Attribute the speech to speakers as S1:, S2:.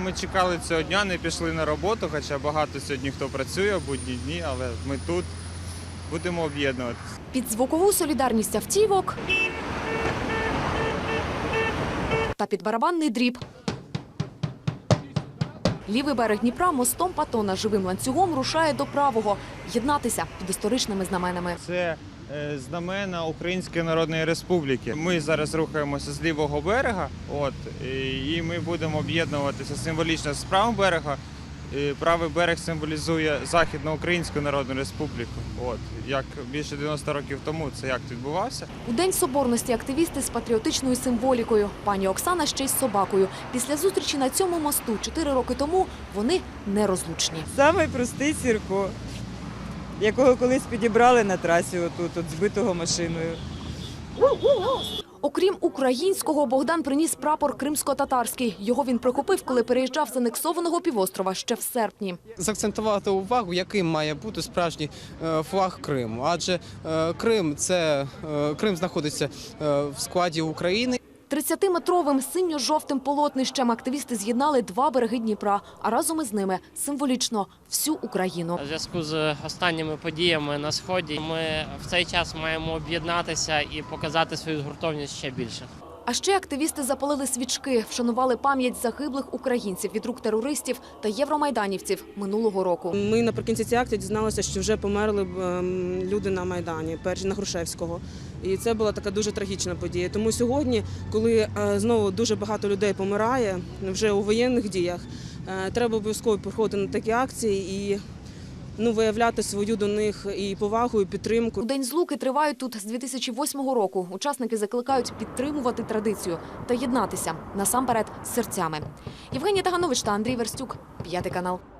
S1: Ми чекали цього дня, не пішли на роботу, хоча багато сьогодні хто працює в будні дні, але ми тут будемо об'єднуватися.
S2: Під звукову солідарність автівок та під барабанний дріб. Лівий берег Дніпра мостом Патона живим ланцюгом рушає до правого. Єднатися під історичними знаменами.
S1: Це знамена Української Народної Республіки. Ми зараз рухаємося з лівого берега, і ми будемо об'єднуватися символічно з правого берега. Правий берег символізує Західноукраїнську Народну Республіку. Як більше 90 років тому цей акт відбувався.
S2: У День Соборності активісти з патріотичною символікою. Пані Оксана ще й з собакою. Після зустрічі на цьому мосту 4 роки тому вони нерозлучні.
S3: Самий простий Сірко, якого колись підібрали на трасі отут, збитого машиною.
S2: Окрім українського, Богдан приніс прапор кримсько-татарський. Його він прихопив, коли переїжджав з анексованого півострова ще в серпні.
S4: Закцентувати увагу, яким має бути справжній флаг Криму. Адже Крим знаходиться в складі України.
S2: 30-метровим синьо-жовтим полотнищем активісти з'єднали 2 береги Дніпра, а разом із ними символічно всю Україну.
S5: У зв'язку з останніми подіями на Сході ми в цей час маємо об'єднатися і показати свою згуртовність ще більше.
S2: А ще активісти запалили свічки, вшанували пам'ять загиблих українців від рук терористів та євромайданівців минулого року.
S6: Ми наприкінці цієї акції дізналися, що вже померли люди на Майдані, перші на Грушевського. І це була така дуже трагічна подія. Тому сьогодні, коли знову дуже багато людей помирає вже у воєнних діях, треба обов'язково приходити на такі акції і виявляти свою до них і повагу, і підтримку.
S2: У День Злуки тривають тут з 2008 року. Учасники закликають підтримувати традицію та єднатися, насамперед, з серцями. Євгенія Таганович та Андрій Верстюк, 5 канал.